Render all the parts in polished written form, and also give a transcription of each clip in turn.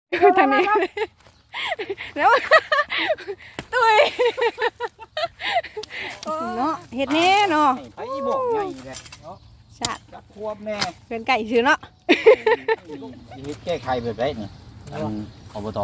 ทางนี้แล้วตุ้ยเนาะเฮ็ดแน่เนาะไปบอกไงเลยเนาะชาติจักควบแน่เกินไก่ซื้อเนาะชีวิตแก้ไขแบบไรนี่อบต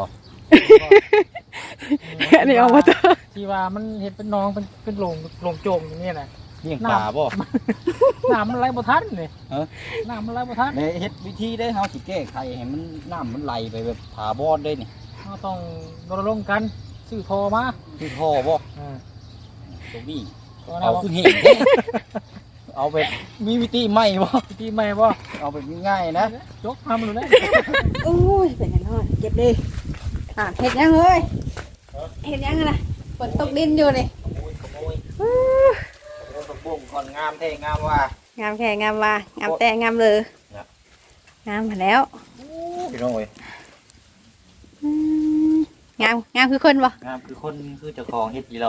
อันนี้เอามาต่อที่ว่ามันเห็ดเป็นน้องเป็นโลงโจมอย่างนี้นะเลี้ยงปลาบ่น้ำมันไหลบ่ทันเลยน้ำมันไหลบ่ทันในเฮ็ดวิธีได้เฮาสิแก้ไขให้มันน้ำมันไหลไปแบบผาบอดได้นี่เราต้องรณรงค์กันซื้อโทรมาคือท่อบ่อ่าตัวบี้ตัวเอานั้นขึ้นเหตุเอาแบบมีวิธีใหม่บ่ที่ไม่บ่เอาแบบง่ายๆนะยกทำมันเลยโอ้ยเป็นยังไงเก็บดิเห็ดยังเลยเห็ดยังนะฝนตกดินอยู่นี่ขโมยตกบุ้งก่อนงามแท้งามว่างามแค่งามว่างามแต่งามเลยงามมาแล้วพี่น้องเอ้ยงามคือคนบ่งามคือคนคือเจ้าของเฮ็ดอีหรอ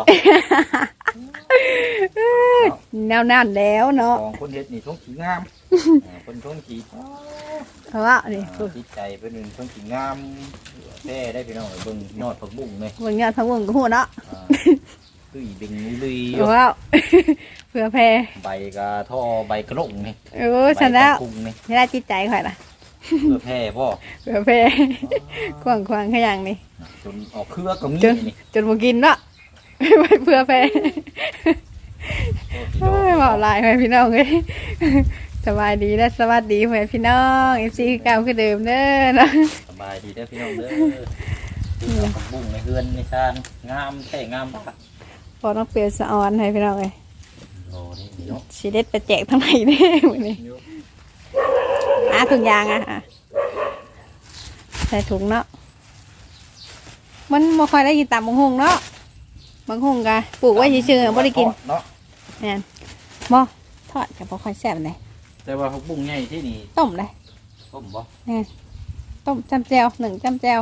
แนวนั่นแล้วเนาะของคนเฮ็ดนี่ท้องสีงามคนท้องสีเพราะว่านี่จิตใจเป็นหนึ่งท้องสีงามแท้ได้พี่น้องเบิ่งยอดผักบุ้งเลยเบิ่งยอดพังวงก็ฮู้เนาะตุ้ยเบ่งลุยเพราะว่าเผื่อแพ้ใบกระท่อใบกระโหลกนี่โอ้ฉันแล้วกุ้งนี่ไม่ได้จิตใจข่อยล่ะเพื่อแพร่พ่อเผื่อแพ้กว้างๆขยันนี่จนออกเครือก็มีนี่จนบ่กินเนาะเผื่อแพ้บอกลายไปพี่น้องเลยสบายดีและสวัสดีเพื่อนพี่น้องเอฟซีเก่าคือเดิมเด้อเนาะสบายดีเด้อพี่น้องเด้อผักบุ้งในเฮือนในชานงามแท้งามปะพอต้องเปลี่ยนสะออนให้พี่น้องเลยโอ้นี่เนาะชีเด็ดไปแจกทั้งไหนเด้มื้อนี้ถุงยางใส่ถุงเนาะมันบ่ค่อยได้กินตามบางหงเนาะบางหงกะปลูกไว้เฉยๆบ่ได้กินเนาะแม่นบ่ทอดก็บ่ค่อยแซ่บปานใดแต่ว่าผักบุ้งใหญ่ที่นี่ต้มเลยต้มบ่ต้มจำแจว1จำแจว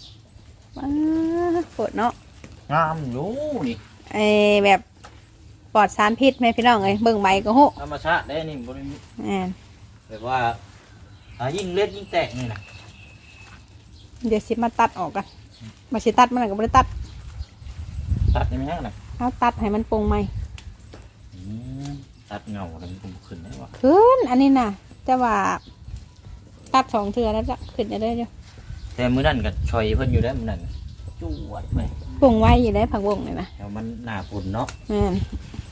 ปวดเนาะงามอยู่นี่ไอแบบปลอดสารพิษแม่พี่น้องเอ้ยเบิ่งใบก็ฮู้ธรรมชาติได้นี่บ่ได้แม่นแบบว่ายิ่งเล็ดยิ่งแตกนี่นะเดี๋ยวสิมาตัดออกกันมาสิตัดมันก็บ่ได้ตัดตัดได้ไหมนะเอาตัดให้มันปรุงใหม่ตัดเงาแล้วมันขึ้นได้บ่ขึ้นอันนี้น่ะแต่ว่าตัด2เทื่อแล้วจะขึ้นจะได้อยู่แต่มื้อนั้นก็ชอยเพิ่นอยู่ได้มื้อนั้นจวดไปปรุงไว้อยู่ได้ผักบงนี่นะแล้วมันหน้าฝนเนาะแม่น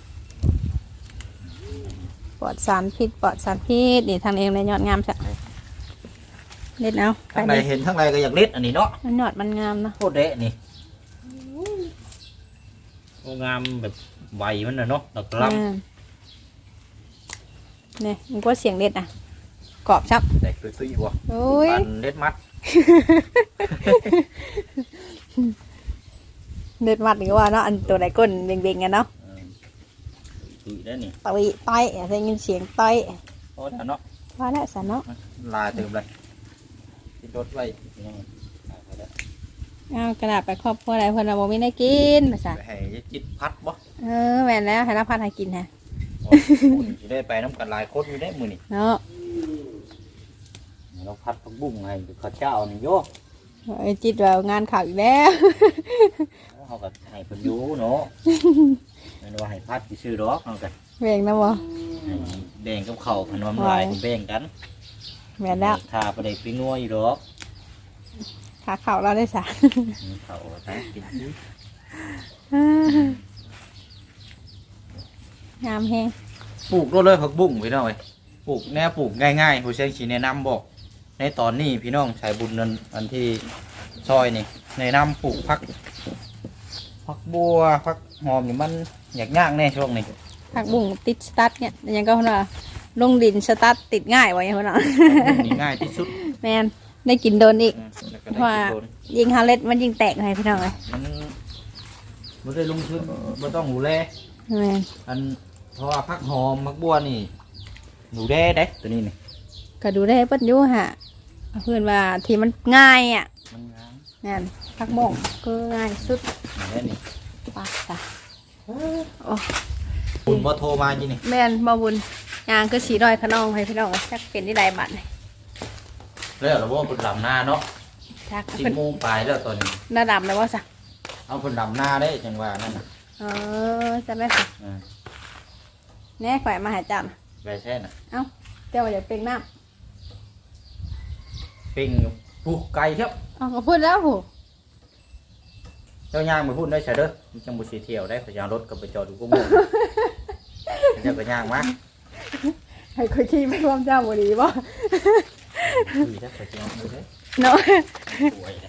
ปลอดสารพิษปลอดสารพิษนี่ทางเองเลยยอดงามซะเด็ดเอาไปทั้งใดนี่เห็นทั้งใดก็อยากเล็ดอันนี้เนาะมันยอดมันงามนะโคตรเดะนี่โอ้งามแบบใบมันน่ะเนาะดอกลนี่มันก็เสียงเด็ดอ่ะกรอบชับำแต่ตุ้ยๆบ่โอ้ยปันเล็ดมัดเด็ดมัดหรือว่าเนาะอันตัวไหนก้นเบ่งๆกันเนาะตุ้ยได้นี่ต่อยต่อยได้ยินเสียงต่อยโอ้แล้วเนาะว่าแล้วสันเนาะลายเติมเลยติดรถไว้ยังเอากระดาษไปครอบครัวอะไรเพื่อนเราบอกไม่ได้กินมาสั่นไปให้จิตพัดบ่แม่นแล้วให้รับพัดให้กินฮะสิได้ไปน้ำกันหลายคนอยู่ได้มื้อนี่เนาะเราพัดผักบุ้งให้ข้าวเจ้านี่โยไอ้จิตว่างานข่าวอีกแล้วเขาก็ให้เพิ่นอยู่เนาะแม่นว่าให้พัดสิซื้อดอกเอากันแบ่งนะบ่ให้แบ่งกับเขาขนมลายแบ่งกันแม่นแล้วถ้าประเด็กไปงัวอยู่ดอกขาเข่าเราได้สารเขาทั้งกินงามแฮงปลูกเลยผักบุ้งพี่น้องปลูกแนวปลูกง่ายๆผู้เชี่ยวชาญแนะนำบอกในตอนนี้พี่น้องชายบุญนั้นอันที่ซอยนี่แนะนำปลูกผักบัวผักหอมนี่มันอยากย่างแน่ช่วงนี้ผักบุ้งติดสตาร์ทเนี่ยยังก็คนว่าลงดินสตาร์ทติดง่ายไว้คนน่ะนี่ง่ายที่สุดแมนได้กินโดนอีกแล้วก็ได้กินโดนยิงฮาเล็ดมันยิงแตกให้พี่น้องเลยมันได้ลงทุนไม่ต้องหูแลแมนอันเพราะว่าผักหอมผักบัวนี่หนูแด้ได้ตัวนี้นี่ก็ดูได้เปิ้นอยู่ฮะเพื่อนว่าที่มันง่ายอ่ะมันงามแมนผักบุ้งก็ง่ายสุดแม่นี่ปากจ้ะโอ้คุณบ่โทรมาจีนี่แมนบ่บุญยางก็สีดอยขนองให้พี่น้องจักเป็นที่ใดบัดนี่แล้วเราว่าคุณลำหน้าเนาะชัก 4 โมงปลายแล้วตอนนี้หน้าดำเลยว่าสักเอาเพิ่นดำหน้าได้จังว่านั่นน่ะจะไม่สักแน่ข่อยมาหาจับไปแช่น่ะเอ้าเจ้าว่าอยากเป็นน้ปิ้งผู้ไก่ครับำอ๋อก็พูดแล้วหูเจ้าย่างไปพูดได้ใช่เด้อมันจังบ่สิเที่ยวได้พยางรถก็ไปจอดอยู่กูโมงเจ้าก็ย่างมาให้ข่อยขี่ไปร่วมเจ้าบ่ดีบ่ดีถ้าไปเที่ยวมื้อเด้อเนาะป่วยเลย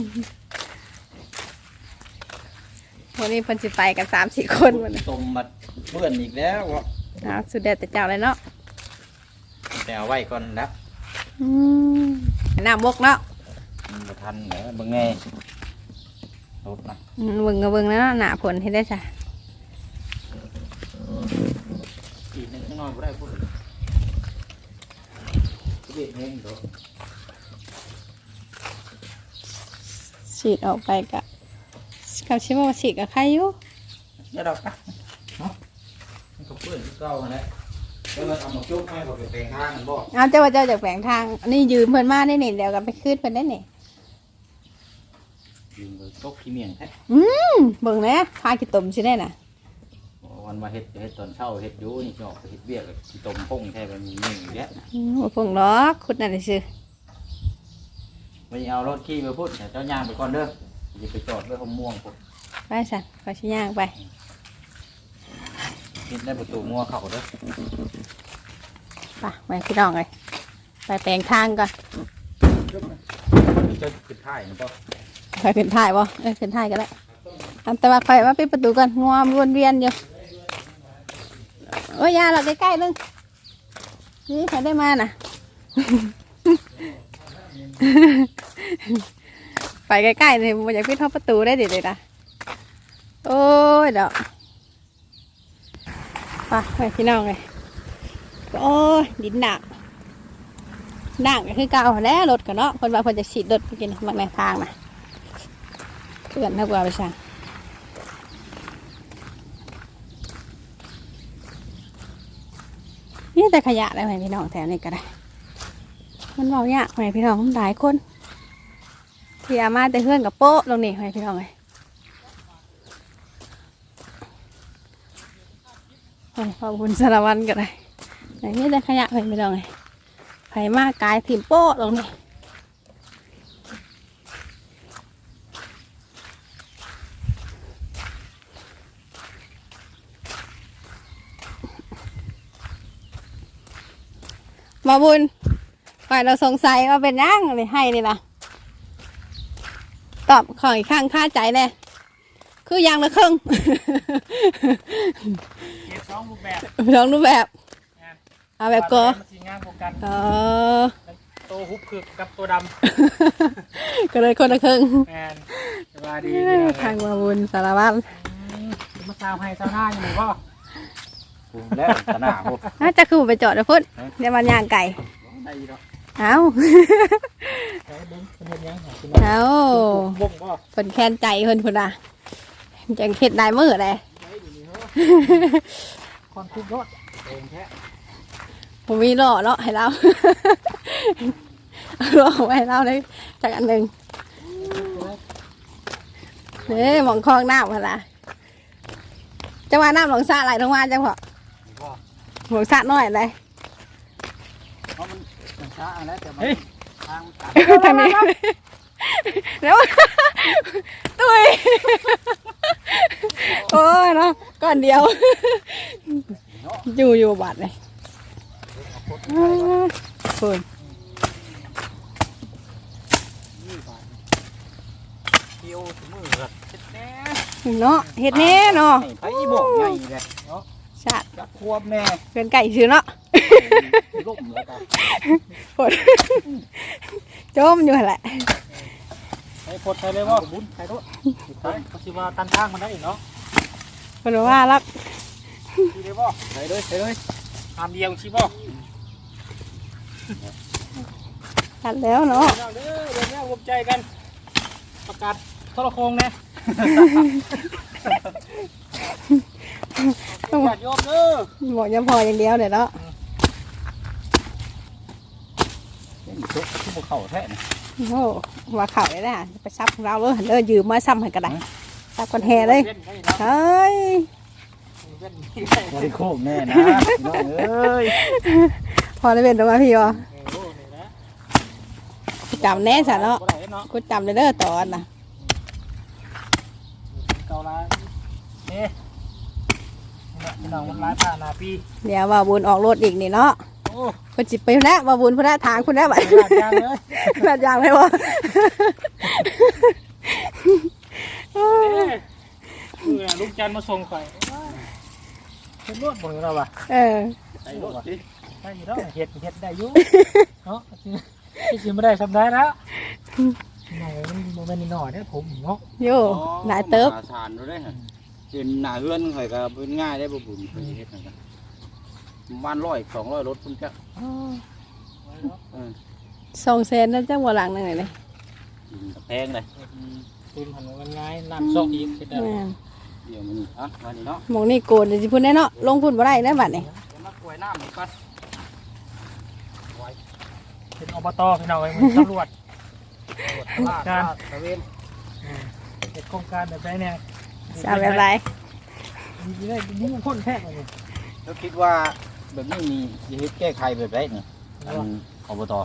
วันนี้เพิ่นสิไปกัน3-4 คนวันนี้ต้มมาเปื้อนอีกแล้ววะสุดเด็ดแต่เจ้าเลยเนาะแต่เอาไว้ก่อนนะน้ำบกเนาะมันบ่ทันเหรอเบิ่งไงรถนะเบิ่งก็เบิ่งแล้วเนาะหน้าผลให้ได้จ้ะอีกนิดน้อยบ่ได้พูดเด็ดแห้งเด้อฉีดออกไปกะกับชิโมฉีดกับใครอยู่เดี๋ยวดอกนะเนาะมันก็เปื้อนคือเก่าหั่นแหละแล้วมันเอามาจุ๊บให้บ่ไปแปลงทางมันบ่เอาเจ้าว่าเจ้าจากแฝงทางอันนี้ยืมเพิ่นมาได้นี่เดี๋ยวกันไปคืนเพิ่นได้นี่ยิงไปตกขี้เมียงแท้เบิ่งนะพาขี้ตมสิได้น่ะวันมาเฮ็ดตอนเช้าเฮ็ดอยู่นี่สิออกไปเฮ็ดเวียกกับขี้ต้มพงแท้มันมี1อยู่แล้วบ่พงหรอกขุดนั่นซื่อไม่เอารถขี่ไปพูดเจ้าย่างไปก่อนเด้ออย่าไปจอดไว้ห้องม่วงพุ่นไปสั่นขอสิย่างไปคิดได้ประตูงัวเข้าเด้อไปไปพี่น้องเลยไปแปลงทางก่อนเจ้าขึ้นท้ายนะป่ะไปขึ้นท้ายบ่ขึ้นท้ายก็ได้อันแต่ว่าข่อยมาปิดประตูก่อนงัวมันวนเวียนอยู่โอ้ยยาเราใกล้ๆนึงนี่ใครได้มาน่ะ ไปใกล้ๆเลยมันอยากปิดเข้าประตูได้ดิเลยนะโอ้ยเดี๋ยวไปพี่น้องเลยโอ้ยดินหนักก็คือเก่าแล้วรถกันเนาะคนว่าคนจะฉีดรถไปกินบางในทางนะเพื่อนถ้าเบื่อไปสั่งนี่แต่ขยะได้ไหมพี่น้องแถวนี้ก็ได้มันเบาเนี่ยไหมพี่น้องหลายคนที่อามาแต่เพื่อนกับโป๊ะลงนี่ไหมพี่น้องเลยขอบคุณสารวัตรก็ได้ไหนนี่แต่ขยะไหมพี่น้องเลยไผมากกายถิ่มโป๊ะลงนี่มาบุญฝ่ายเราสงสัยว่าเป็นย่างเลยให้นี่นะตอบของอีกข้างค่าใจแน่คือยางละครึ่งเก็บ2รูปแบบลองรูปแบบเอาแบบก็มันสิงามกว่ากัน ตัวฮุบคือกับตัวดก็เลยคนละครึ่งำแมนสบายดีพี่น้องทางมาบุญสารวัตรมาซาวให้ซาวหน้าอยู่หรือเปล่าพูดแล้วตะหน้าพูดน่าจะคือไปจอดนะพุ่นเดี๋ยวมันย่างไก่ได้อยู่ดอกเอาใช้เบิ้งเป็นเฮ็ดยังของคุณเอาบ่งบ่คนแค้นใจคนพุ่นอ่ะจังเข็ดได้มือเลยได้อยู่นี่เหรอคนคุกรถเองแท้ผมมีหล่อเนาะให้เรา หล่อไว้ให้เราเลยจากอันหนึ่งหมองคลองน้ำพะละจังหวะน้ำหลงสระไหลลงมาจังพอหลงสระน้อยเลยเพราะมันช้าแล้วแต่มันทางมันตัดทางนี้แล้วตุ้ยโอ้ยเนาะก้อนเดียวอยู่บาดเลยคุณเกี่ยวถึงมือเฮ็ดแน่เนาะเห็ดแน่เนาะไอ้บอกไงเลยชาติจับควบแม่เป็นไก่ซื้อเนาะล่มแล้วกันฝนโจมอยู่หั่นแหละใช้พดใช้เลยบ่บุญใช้ด้วยใช้ก็สิว่าตันทางมันได้อีกเนาะคนว่ารักดีเลยบ่ใส่เลยใส่เลยตามเดียวชิบ่ตัดแล้วเนาะเด้อเดี๋ยวนี้รวมใจกันประกาศโทรโคงแน่ต้องญาติโยมเด้อบอกยังพออย่างเดียวเดี๋ยวเนาะชุกที่ภูเขาแท้โอ้โหว่าเข่าเลยนะไปซับของเราเลยเดินยืมมาซ้ำให้กระไดซับกันแห่เลยเฮ้ยบริโภคแน่นะน้องเอ้ยพอได้เป็นตรงมาพี่วะจำแน่สันเนาะกูจำเลยเด้อตอนน่ะเกาลาเอ๊ะพี่น้องมันร้ายผ่านนาปีเดี๋ยวว่าบุญออกรถอีกนี่เนาะโอ้คนจิบไปแล้วว่าบุญพุ่นละทางคุณแล้วบัดหลาดยางเลยลาดยางไหมวะเอ๊ะลูกจันมาส่งข่อยเป็นรวดบ่เราป่ะเออไอ้รถดิได้อยู่แล้วเห็ดได้อยู่เนาะที่จริงไม่ได้ทำได้แล้วหน่อยมันโมเมนต์หน่อยเนี่ยผมเนาะโย่หลายเติบสานดูได้ฮะเป็นหน้าเฮือนข่อยก็เป็นง่ายได้บ่บุญเพิ่นเฮ็ดนั่นก็บ้าน100 200รถเพิ่นก็เออ 200,000นั่นจังบ่หลังนึงเลยแพงเลยตุนหันมันง่ายน้ำซอกอีกเป็นอะไรแม่นเดี๋ยวมันนี่อ่ะมานี่เนาะหมองนี่โกนเดี๋ยวสิพุ่นแน่เนาะลงพุ่นบ่ได้แล้วบัดนี่เดี๋ยวมากล้วยน้ำนี่ก่อนเป็นอบตพี่น้องไอ้มันตำรวจการตะเวนเห็ดโครงการแบบไหนเนี่ยจะเอาแบบไรมีได้มุ่งพ้นแท้เลยแล้วคิดว่าแบบนี้มีจะเฮ็ดแก้ไขแบบไรนี่อันอบต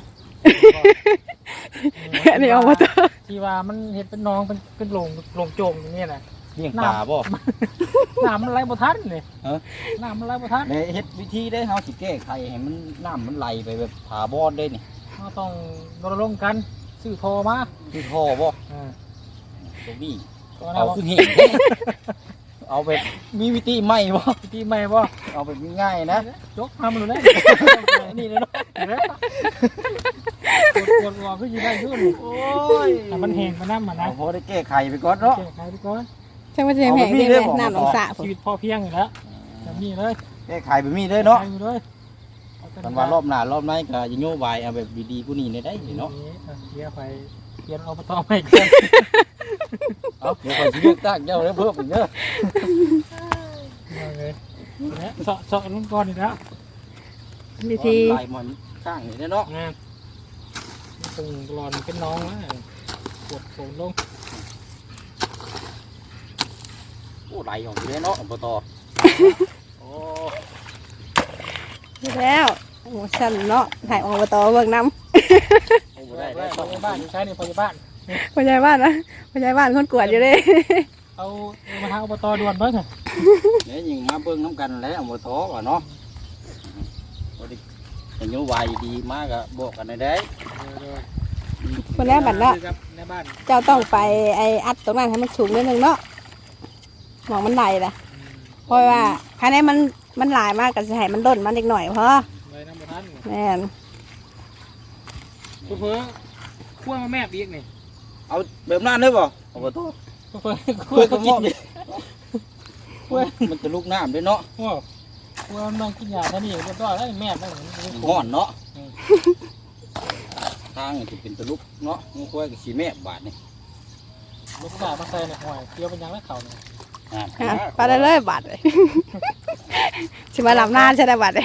อันนี้เอามาตัวที่ว่ามันเห็ดเป็นน้องเป็นโลงโจมอย่างนี้แหละเลี้ยงปลาบ่น้ำมันไหลบ่ทันเลยฮะน้ำมันไหลบ่ทันในเฮ็ดวิธีได้เฮาสิแก้ไขให้มันน้ำมันไหลไปแบบถาวรได้นี่เราต้องรณรงค์กันซื้อโทรมาคือท่อบ่อ่าตัวบี้ก็เอาได้คือเห็นเอาแบบมีวิธีใหม่บ่ที่ไม่บ่เอาแบบง่ายๆนะยกมามันเลยนี่เลยเนาะกดหัวขึ้นยืนได้ยุ่นโอ้ยแต่มันแห้งมันน้ำมันนะเอาพอได้แก้ไขไปก่อนเนาะแก้ไขไปก่อนช่างว่าจะแพงดีเลยน้ำหนองสระผมชีวิตพอเพียงอยู่แล้วแบบนี้เลยแก้ไขแบบนี้เลยเนาะไปอยู่เลยกันว่ารอบหน้ารอบหน้าก็จะโยบายเอาแบบดีๆผู้นี้ได้เนาะเดี๋ยวไปเปลี่ยนอบตใหม่กันเอาเดี๋ยวไปสิเลือกตั้งเจ้าแล้วเพิ่มอีกเด้อเลยเนี่ยเสาะลงก่อนอีกแล้ววิธีลายมันข้างนี่เนาะงานตรงหลอนเป็นน้องนะปวดโผล่ลงโอ้ไหลออกเลยเนาะอบตโอ้แล้วโอ้ฉันเนาะถ่ายออกมาต่อเบิ่งน้โอ้ได้ได้ได้ได้พยาบ้านอยู่ใช้ในพยาบ้านำพ่อใหญ่บ้านนะพ่อใหญ่บ้านคนกวดอยู่เลยเอามาทางอบตด่วนเบิ้งเนี่ยยิงมาเบิ่งน้ำกันแล้วอบตว่าเนาะพอดีโยบายดีมากก็บอกกันได้คนแรกบัดเนาะในบ้านเจ้าต้องไปไออัดตรงนั้นให้มันสูงนิดนึงเนาะหมองมันไหลล่ะเพราะว่าภายในมันหลายมากก็จะให้มันด้นมันอีกหน่อยพอเลยน้ำมันทันแม่นเพื่อขั้วมาแม่บีกนี่เอาแบบนั้นได้บ่อบตเพื่อคุยกับหม้อมันจะลุกน้ำด้วยเนาะขั้วมันต้องกินยาท่านี่เรียบร้อยแล้วแม่ได้เหมือนห่อนเนาะทางจะเป็นตะลุกเนาะงูควายกับสีแม่บาทนี่ลูกกามาใส่ในหอยเกี่ยวเป็นยังแล้วเขาเนี่ยอ่ะไปได้เลยบัดเลย ชิมาลำหน้าใช่ไหมบัดเลย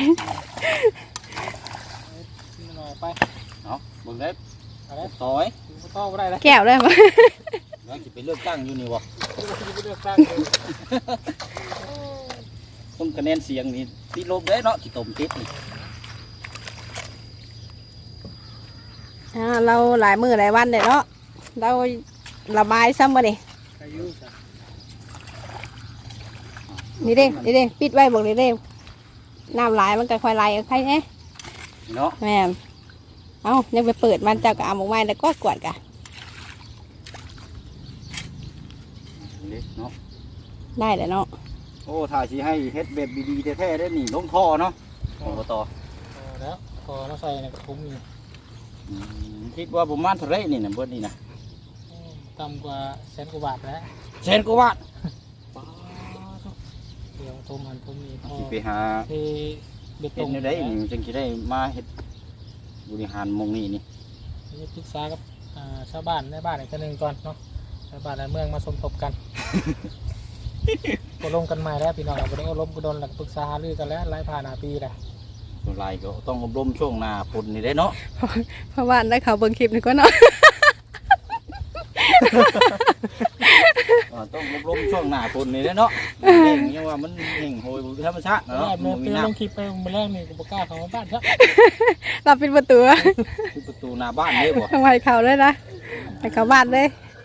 หน่อยไปเนาะเบิ่งได้อะไรซอยถึงต้อไม่ได้แล้วแก้วเลยมั้ยแล้วจะไปเลือกตั้งอยู่นี่บ่เลือกตั้งต้องคะแนนเสียงนี่ติดลบได้เนาะที่ต้มติดนี่เราหลายมือหลายวันเลยเนาะเราระบายซ้ำมาดิอายุนี่เด้นี่เด้ปิดไว้บอกนี่เด้น้ำไหลายมันก็ค่อยไหลใครเนี่ยเนาะแม่นเอายังไปเปิดมันเจ้าก็เอาหมกไม้แล้วก็กวาดกะนี่เนาะได้เลยเนาะโอ้ถ้าสิให้เฮ็ดแบบดีๆแท้ๆได้นี่ลงท่อเนาะอบตแล้วพอเราใส่ในกระพุ้งนี่คิดว่าประมาณเท่าไรนี่นะเบิดนี่นะต่ำกว่า100,000 กว่าบาทแล้วแสนกว่าบาทเดี๋ยวโทรมันผมมีพอสิไปหาเทเบ็ดตเฮ็รดงในได้นี่จึงสิได้มาเฮ็ดบริหารหมองนี่นี่นี่ปรึกษากับชาวบ้านในบ้านอีกคนหนึ่งก่อนเนาะชาวบ้านในเมืองมาสมทบกัน ก็ลงกันใหม่แล้วพี่น้องเราได้อบรมกุดลหลักปรึกษาหารือกันแล้วไล่ผ่านปีแหละส่วนหลายก็ต้องอบรมช่วงหน้าฝนนี่ได้เนาะเพราะว่าได้เขาเบิ่งคลิปนี่ก็เนาะต้องลมช่วงหน้าฝนนี่เนาะเองยังว่ามันแห้งโหยธรรมชาติแล้เนาะวมันมีเมื่อน้ลงคลิปไปมื้อแรกนี่ก็บ่กล้าเข้ามาบ้านครับเราปิดประตูำที่ประตูหน้าบ้านเลยบ่ทำไมเขาเลยนะไปเข้าบ้านเลย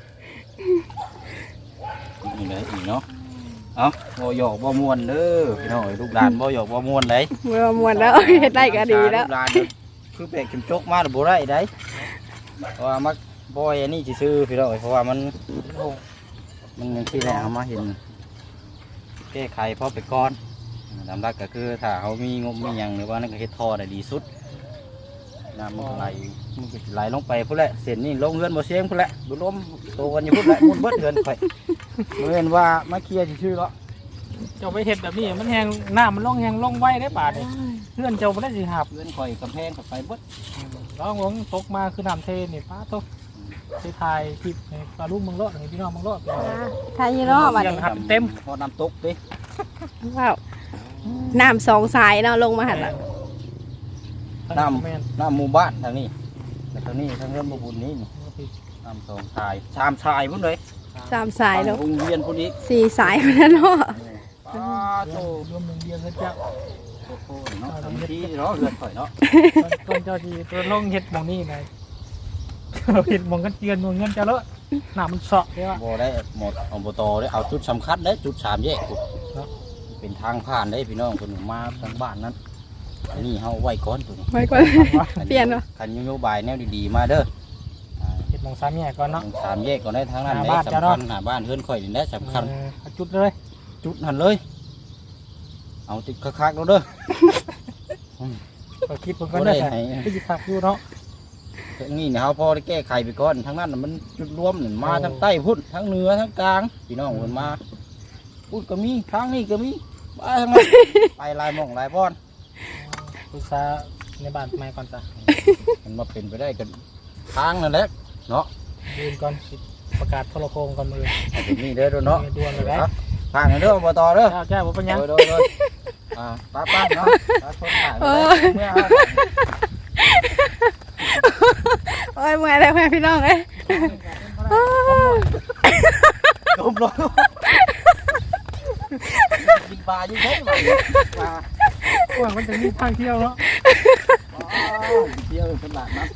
นี่เลยอีเนาะเอาบ่หยอกบ่ม่วนเด้อพี่น้องลูกหลานบ่หยอกบ่ม่วนเลยเมื่อมวนแล้วเฮ็ดได้ก็ดีแล้วลูกหลานคือแปลกเข้มจกมาบ่ได้ได้เพราะว่ามักบ่อยอันนี้ซื่อพี่น้องเพราะว่ามันที่แรกเอามาเห็นแก้ไขพอไปก่อนตามหลักก็คือถ้าเขามีงบมีหยังหรือว่านั่นก็เฮ็ดท่อได้ดีสุดน้ำมันก็ไหลลงไปพุ่นแหละเส้นนี่ลงเรือนบ่เสียงพุ่นแหละดูลมโตกันอยู่พุ่นแหละมุดเบิดเรือนไปบ่เห็นว่ามาเคลียร์ซื่อๆเนาะเจ้าไปเฮ็ดแบบนี้มันแห้งน้ำมันลงแห้งลงไว้ได้บาดนี่เพื่อนเจ้าบ่ได้สิหับเรือนข่อยกำแพงก็ไปเบิดร้องลงตกมาคือน้ำเทนี่ป้าตกไปถ่ายคลิปให้ปลาลูกเมืองโลดให้พี่น้องเมืองโลดทายยี่เนาะบัดยันี้งหับเต็มพอน้ำตกดิว้าวน้ำสองสายเนาะลงมาหันละน้ำน้ำหมู่บ้านทางนี้แต่ทางนี้ทางเรือนบ่บุญนี้นี่น้ำสองชายชามชายพุ่นเลยสามสายเนาะโรงเรียนพุ่นอีกสี่สายคนนั้นเนาะป้าโตรวมหนึ่งเดียวกันเจ้าโอ้โหเนาะทำที่เนาะเรือนข่อยเนาะต้นเจ้าที่ตัวลงเฮ็ดหมองนี่นะเฮ็ดหมองกันเตือนหมองเงินเจ้าเลอะน้ำมันเสาะเด้ว่าบ่ได้หมดอบตได้เอาจุดสำคัญได้จุด3แยกพุ่นเนาะเป็นทางผ่านได้พี่น้องคนมาทางบ้านนั้นอันนี้เฮาไว้ก่อนตัวนี้ไว้ก่อน เปลี่ยนเนาะคันนโยบายแนวดีๆมาเด้อเฮ็ดหมองสามแยกก่อนเนาะสามแยกก่อนได้ทางนั้นหาได้บ้านสำเจ้าคัเนาะญหาบ้านเฮือนข่อยนี่ได้สำคัญเอาจุดเลยจุดหันเลย เอาติดคักๆแล้วเด้อก็คิดเพิ่นก็ได้บ่ได้ให้คือสิคักอยู่เนาะทางนี้เนี่ยเขาพอได้แก้ไขไปก่อนทางนั้นน่ะมันจุดรวมนี่มาทางใต้พุ่นทางเหนือทางกลางพี่น้องมันมาพูดก็มีทางนี้ก็มีไปทางนั้น ไปหลายหม่องหลายบ่อนปรึกษาในบ้านใหม่ก่อนจ้ะมันมาเป็นไปได้กันทางนั่นแหละเนาะยืนก่อนสิประกาศโทรโคงก่อนมือเอาเป็นนี่เด้อเนาะด่วนเลยนะทางนั้นเด้ออบตเด้อเจ้าบ่เป็นหยังโดยป้าเนาะป้าชนถ่ายไปเลยโอ้ยเมื่อยเลยแม่พี่น้องเอ้ยลมลมกินปลาอยู่เท่ไหร่ปลากว้างมันจะมีทางเที่ยวเนาะเที่ยวตลาดนัด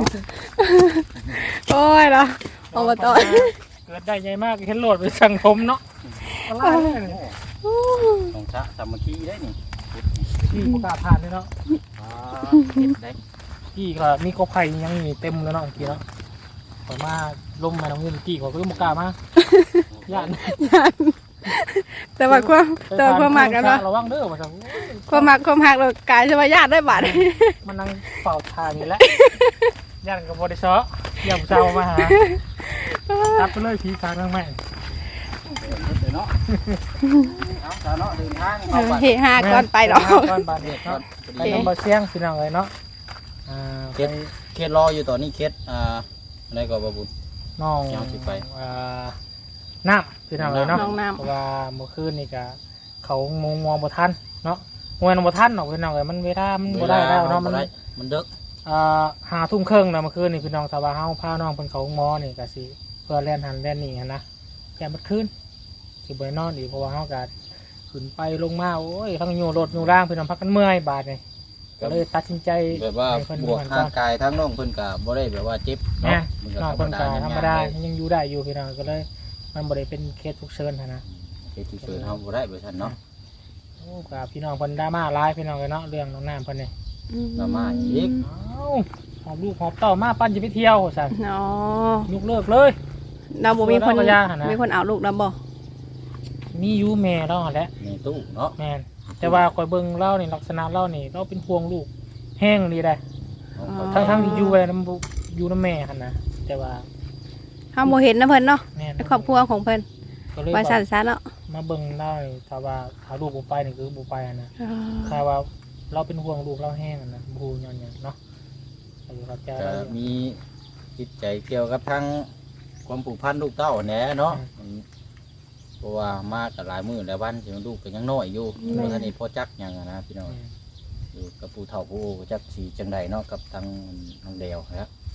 โอ้ยเนาะอบตเกิดได้ใหญ่มากเห็นโหลดไปสังคมเนาะอะไรเนี่ยของชะสามัคคีได้นี่ที่ประกาศผ่านเลยเนาะเก็บได้ที่ก็มีกอไผ่ยังมีเต็มเลยเนาะเมื่อกี้เนาะขอมาลมมาตรงนี้เมื่อกี้ขอก็ประกาศมาย่านแต่ว่าความมักกันเนาะระวังเด้อว่าจังความหักเรากลายเป็นว่าญาติได้บาดมันนั่งเป่าทางนี่แหละย่านกับบริษัทย่านเจ้ามาหาตัดไปเลยผีทางทั้งแม่เนาะเอาชาเนาะเดินทางเข้าไปเฮฮาก่อนไปเนาะก่อนบาดเจ็บเนาะไปน้ำบะเชียงพี่น้องเลยเนาะเคสรออยู่ตอนนี้เคสอะไรก็บ่บุญน้องยังสิไปน้ำพี่น้องเลยเนาะน้องน้เพราะว่าเมื่อคืนนี่ก็เขามองบ่ทันเนาะมองบ่ทันเนาะพี่น้องเลยมันเวลามันบ่ได้แล้วเนาะมันเด็ก 5 ทุ่มครึ่งนะเมื่อคืนนี่พี่น้องสาวาเฮาพาน้องเพิ่นเขาหมอนี่ก็สิเพื่อแล่นหันแล่นนี่หันนะแกมันคืนสิบ่ได้นอนอีกเพราะว่าเฮาก็ขึ้นไปลงมาโอ้ยทั้งอยู่รถอยู่ร่างพี่น้องพักกันเมื่อยบาดนี่ก็เลยตัดสินใจแบบว่าบวกทางกายทั้งน้องเพิ่นก็บ่ได้แบบว่าเจ็บเนาะเนาะน้องเพิ่นก็ธรรมดายังอยู่ได้อยู่พี่น้องก็เลยมันบ่ได้เป็นเคสฉุกเฉินหันนะเคสที่เกิดเฮาบ่ได้เบิดซั่นเนาะโอ้กับพี่น้องเพิ่นดราม่าหลายพี่น้องเลยเนาะเรื่องน้องน้ำเพิ่นนี่ดราม่าอีกเอ้าหอบลูกหอบเต้ามาปั้นจะไปเที่ยวสั่นเนาะยกเลิกเลยเราบ่มีคนเอายาหั่นนะมีคนเอาลูกเราบ่มีอยู่แม่เราหั่นแหละในตู้เนาะแม่นแต่ว่าคอยเบิ่งเล่านี่ลักษณะเล่านี่เราเป็นห่วงลูกแห้งดีได้ทั้งที่อยู่ไว้นำอยู่นำแม่หั่นนะแต่ว่าเฮาบ่เห็นนะเพิ่นเนาะแม่นในครอบครัวของเพิ่นก็เลยว่าว่าสั่นซะเนาะมาเบิ่งเล่านี่ถ้าว่าหาลูกบ่ไปนี่คือบ่ไปหั่นนะถ้าว่าเราเป็นห่วงลูกเราแห้งหั่นนะบ่ฮู้ย้อนหยังเนาะอายุครับจะก็มีจิตใจเกี่ยวกับทั้งความผูกพันลูกเต้าแหน่เนาะเพราะว่ามากับหลายมื้อหลายวันสิลูกก็ยังน้อยอยู่บ่ทันได้พอจักหยังนะพี่น้องอยู่กับผู้เฒ่าผู้จักสิจังไดเนาะกับทางน้องเดวครับ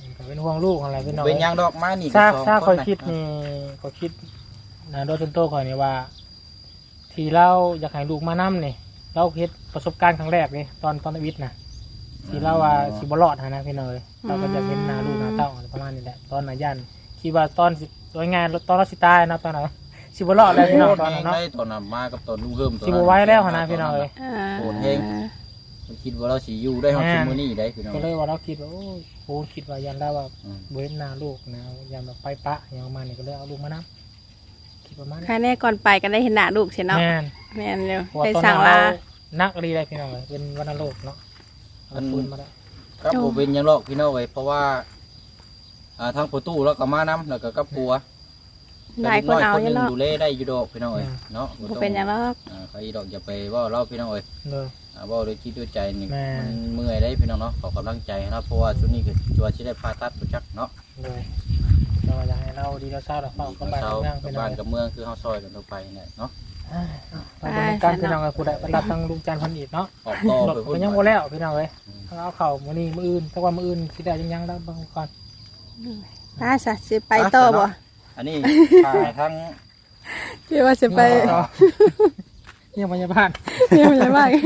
ก็เป็นห่วงลูกอะไรพี่น้องเป็นหยังดอกมานี่ถ้าก็คอยคิดนี่ก็คิดนะโดยส่วนตัวคอยนี่ว่า ที่เราอยากให้ลูกมานํนี่เราเฮ็ดประสบการณ์ครั้งแรกเลยตอนวิทย์นะที่เราว่าสิบ่รอดนะพี่น้องเราก็จะเห็นหน้าลูกหน้าเต้าประมาณนี้แหละตอนน่ะยันคิดว่าตอนสิโดยงานตอนเราสิตายนะตอนนั้นสิบ่รอดแล้วพี่น้องตอนนั้นเนาะได้ตอนนั้นมากับตอนลุงเฮิมสิบ่ไหว้แล้วนะพี่น้องเอ้ยโหดเฮงคิดว่าเราสิอยู่ได้ฮอดซุมื้อนี้ได้พี่น้องก็เลยว่าเราคิดว่าโอ้ยโหคิดว่ายันได้ว่าบ่เห็นหน้าลูกนะยันแบบไปปะอย่างประมาณนี้ก็เลยเอาลูกมานํคิดประมาณนี้ค่ะแน่ก่อนไปก็ได้เห็นหน้าลูกใช่เนาะแม่นแม่นเร็วเพราะว่าได้ตอนสั่นั้งนลานักรีได้พี่น้องเลยเป็นวัณโรคเนาะเอาฟื้นมาได้ครับผมเป็นหยังหรอกพี่น้องเอ้ยเพราะว่าทางประตูแล้วก็มานํแล้วก็กับปัวหลายคนเอาคนอนึยู่งเนาะดูแลได้อยู่ดอกพี่น้องเอ้ยเนาะบ่เป็นหยังหรอกใครดอกอย่าไปเว่าเล่าพี่น้องเอ้ยเลยเว่าด้วยคิดด้วยใจนี่แม่มันเมื่อยได้พี่น้องเนาะขอกำลังใจนะเพราะว่าช่วงนี้คือจัวสิได้ผ่าตัดบ่จักเนาะเลยเราอยากให้เราดีเราเศร้าเราเฝ้าก็บ้านเช้าเมืองกัเป็บนบ้านไงกับเมืองคือเฮาซอยกันทั่วไปนี่เนาะเราเป็นการพี่น้องกับผู้ใดรับทางลุงจันทร์พันอีกเนาะออกต่อหลดไปมันยังบ่แล้วพี่น้องเลยเอาเข่ามื้อนี้มื้ออื่นแต่ว่ามื้ออื่นสิได้ยังแล้วบางก่อนถ้าสิไปต่อบ่อันนี้ถ่ายทั้งคิดว่าสิไปเนี่ยพยาบาลเนี่ยมันจะว่าไง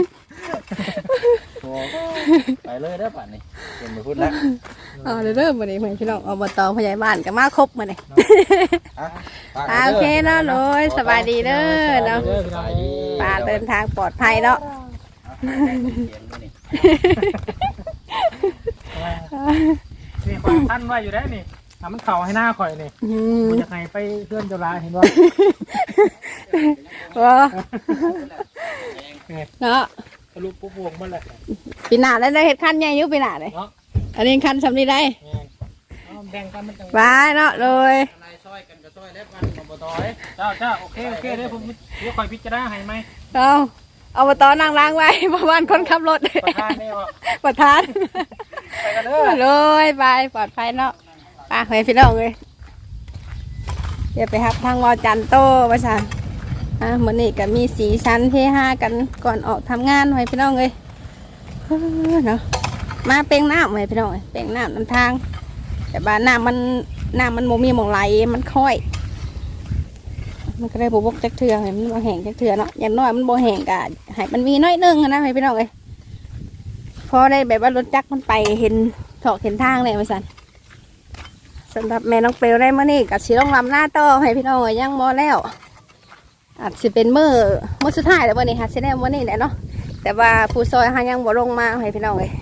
ไปเลยเด้อป่านนี้เดี๋ยวมาพูดแล้วอ๋อเริ่มมื้อนี้เพิ่นพี่น้องอบตผู้ใหญ่บ้านก็มาครบมื้อนี้ โอเคเนาะโน้ยสบายดีเด้อเนาะปลาเดินทางปลอดภัยเนาะนี่ข่อยท่านไว้อยู่ได้นี่ทำมันเข่าให้หน้าข่อยนี่อืมมันจะให้ไปเพื่อนเจ้าลาเห็นว่าว้าเนาะทะลุปุ๊บวงมันแหละปีหน้าได้เฮ็ดคันใหญ่อยู่ปีหน้าเลยเนาะอันนี้คันสำนี้ได้แบ่งกันมันจังบายเนาะเลยนายซอยกันก็ซอยแล้วมันอบตเอ้ยเจ้าโอเคเดี๋ยวผมเดี๋ยวข่อยพิจารณาให้ไหมเอาอบตนั่งล้างไว้ เพราะว่าคนขับรถประธานนี่ว่าประธานไปกันเด้อเลยไปปลอดภัยเนาะไปเฮ้ยพี่น้องเลยเดี๋ยวไปครับทางวอจันโตประสานเหมือนนี่ก็มีสีสันเฮฮากันก่อนออกทำงานเฮ้ยพี่น้องเลยเนาะมาเป่งน้ำเฮ้ยพี่น้องเอ้ยเป่งน้ำนำทาง แต่บ้านน้ำมันโมมีหมองไหลมันค่อย มันก็ได้บวกจักเถื่อเห็นมันบ่แห้งจักเถื่อเนาะอย่างน้อยมันบ่แห้งกะให้มันมีน้อยนึงนะให้พี่น้องเอ้ยพอได้แบบว่ารถจักรมันไปเห็นถอกเห็นทางเลยมาสั่นสำหรับแม่น้องเปลวได้เมื่อนี้กับสีต้องลำหน้าต่อให้พี่น้องเอ้ยยังบ่แล้วอาจจะเป็นมื้อสุดท้ายแล้ววันนี้ค่ะสิได้วันนี้แหละเนาะแต่ว่าผู้ซอยหายังบ่ลงมาให้พี่น้องเอ้ย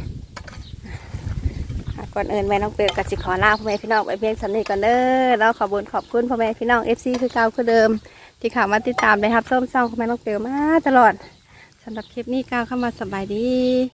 ก่อนอื่นแม่น้องเปลวกับสิขอลาพ่อแม่พี่น้องไปเพียงสำนี้ก่อนเด้อแล้วขอบคุณพ่อแม่พี่น้อง FC คือเก่าคือเดิมที่เข้ามาติดตามได้ครับส้มซ่องพ่อแม่น้องเปลวมาตลอดสำหรับคลิปนี้ก้าวเข้ามาสบายดี